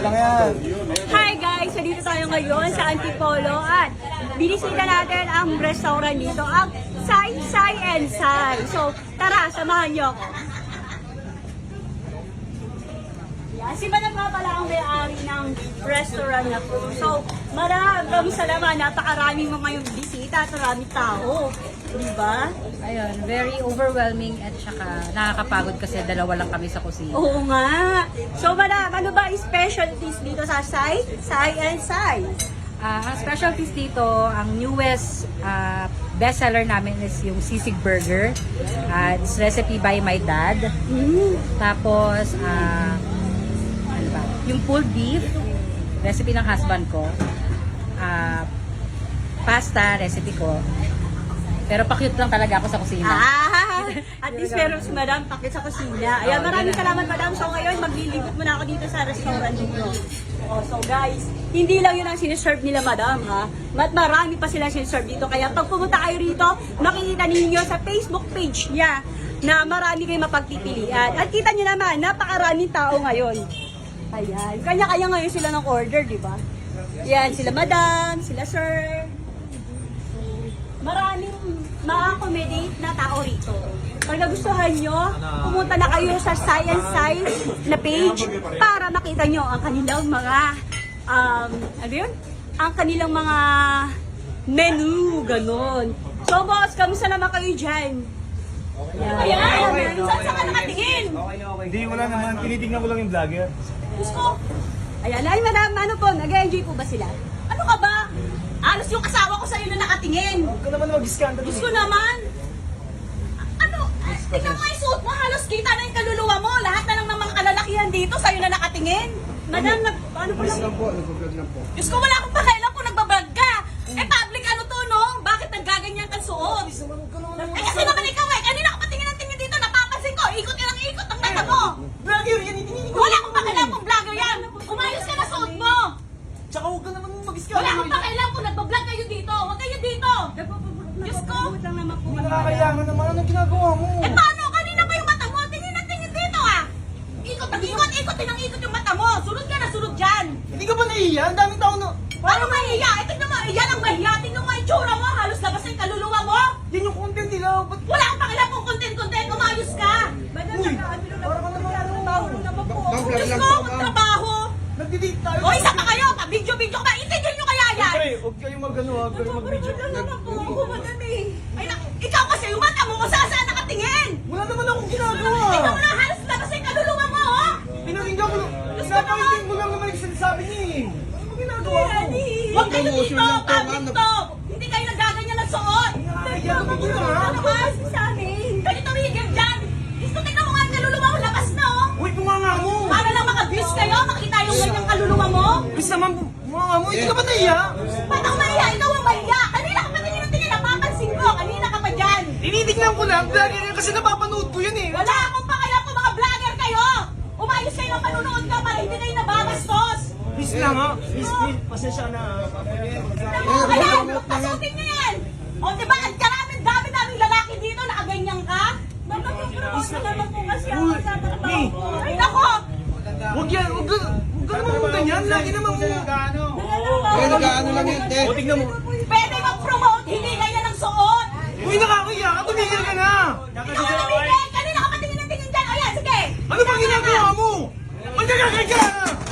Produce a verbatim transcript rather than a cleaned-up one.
lang yan. Hi guys! So dito tayo ngayon sa Antipolo at binisita natin ang restaurant dito, ang Sai Sai and Sai. So tara, samahan niyo ako. Yan, si Madam nga pala ang may-ari ng restaurant na po. So maraming salamat, napakaraming mga yung bisita at maraming tao. Diba? Ayun, very overwhelming at saka nakakapagod kasi dalawa lang kami sa kusina. Oo nga. So Madam, ano ba ang specialties dito sa Sai? Sai and Sai? Ah, ang specialties dito, ang newest ah, bestseller namin is yung sisig burger. Ah, it's recipe by my dad. Mm. Tapos, ah, ano ba? Yung pulled beef, recipe ng husband ko. Ah, pasta, recipe ko. Pero pa-cute lang talaga ako sa kusina. Ah, at least meron si Madam pakit sa kusina. Ayan, maraming salamat Madam. So ngayon, maglilibot muna ako dito sa restaurant dito. Oh, so guys, hindi lang yun ang siniserve nila Madam ha. Mat marami pa sila siniserve dito. Kaya pag pumunta kayo rito, makikita ninyo sa Facebook page niya na marami kayong mapagpipilian. At kita niyo naman, napakaraming tao ngayon. Ayan, kanya-kanya ngayon sila ng order, di ba? Yan, sila Madam, sila Sir. Maraming ma-accommodate na tao rito. Pag nagustuhan nyo, pumunta na kayo sa Science Science na page para makita nyo ang kanilang mga, um, ano yun? Ang kanilang mga menu, ganon. So boss, kamusta naman kayo dyan? Ayan, ayan, saan saan ka nakatingin? Hindi, wala naman. Tinitignan ko lang yung vlogger. Gusto. Ayan, ay madam, ano po, nag-enjoy po ba sila? Ano ka ba? Alos yung asawa ko sa'yo na nakatingin. Huwag ka naman mag-scandal. Gusto naman. Ano? Tingnan mo yung suot mo. Halos kita na yung kaluluwa mo. Lahat na lang ng mga kalalakihan dito sa'yo na nakatingin. Madam, nag, ano po lang? lang po, nag-vlog lang po. Diyos ko, wala akong pakialam kung nagbablog ka. Eh, public ano to, no? Bakit naggaganyan kang suot? Eh, kasi naman ikaw eh. Kanina ka patingin ng tingin dito. Napapansin ko. Ikot ka ng ikot ang mata mo. Vlogger yan, itinignan ko. Wala akong pakialam kung vlogger yan. Umayos ka na suot mo. Tsaka huwag ka naman mag-scandal. Wala akong pakialam kung nagbablog kayo dito. Huwag kayo dito. Diyos ko. lang naman po. Hindi nakakayaman naman. Anong ginagawa mo? Eh paano? Kanina pa yung mata mo. Tingin na tingin dito ah. Ikot ang ikot, ikot din ang ikot yung mata mo. Sunod ka na, sunod dyan. Hindi ka ba naiiya? Ang daming tao na... Paano mahiya? Eh tignan mo, yan ang mahiya. Tignan mo yung tsura mo. Halos labas na yung kaluluwa mo. Yan yung content nila. Ba't... Wala kang pakialam kung content-content. Umayos ka. Uy! Para ka naman ano tao. Diyos ko, magtrabaho. Nagdi-date tayo. O isa pa kayo. Pa-video-video ka ba? Intindihan nyo kaya yan. Siyempre, huwag kayong mag-ano ha. Huwag kayong mag-video. Ay, na, ikaw kasi yung mata mo kung saan saan nakatingin. Wala naman akong ginagawa. Tingnan mo na, halos labas na yung kaluluwa mo, oh. Pinakinggan ko lang. Napakinggan mo lang naman yung sinasabi niya eh. Ano ba ginagawa mo? Huwag kayo dito, public to. Hindi kayo nagaganyan ng suot. Nakakaya ka ba ha? Ano ba? Sa amin. Ganito rigid dyan. Gusto tingnan mo nga ang kaluluwa mo, labas na, oh. Uy, bunganga mo. Para lang maka-views kayo, makita yung ganyang kaluluwa mo. Bis naman, bunganga mo. Hindi ka ba naiya? Ba't ako mahiya? Ikaw ang mahiya. Kanina ka pa tingin ng tingin, napapansin ko. Kanina ka pa dyan. Tinitignan ko lang. Vlogger yan kasi napapanood ko yan eh. Wala akong pakialam kung mga vlogger kayo. Umayos kayo ng panunood ka para hindi kayo nababastos. Please lang ha. Please, please. Pasensya na. Ayan, pasukin niyo yan. O diba, ang karaming dami-daming lalaki dito, nakaganyan ka? Nagpapapropose na naman po kasi ako Uy, sa trabaho Ni. ko. Ay, nako! Huwag yan. Huwag ka. Huwag ka naman mong ganyan. Lagi naman mo. Ay, nag-ano lang yun, te. O, tignan mo. Pwede mag-promote, hindi ganyan ang suot. Uy, nakakaya ka. Tumigil ka na. Ikaw ang tumigil, kanina ka patingin ng tingin dyan. O yan, sige. Ano bang ginagawa mo? Magkakakay ka!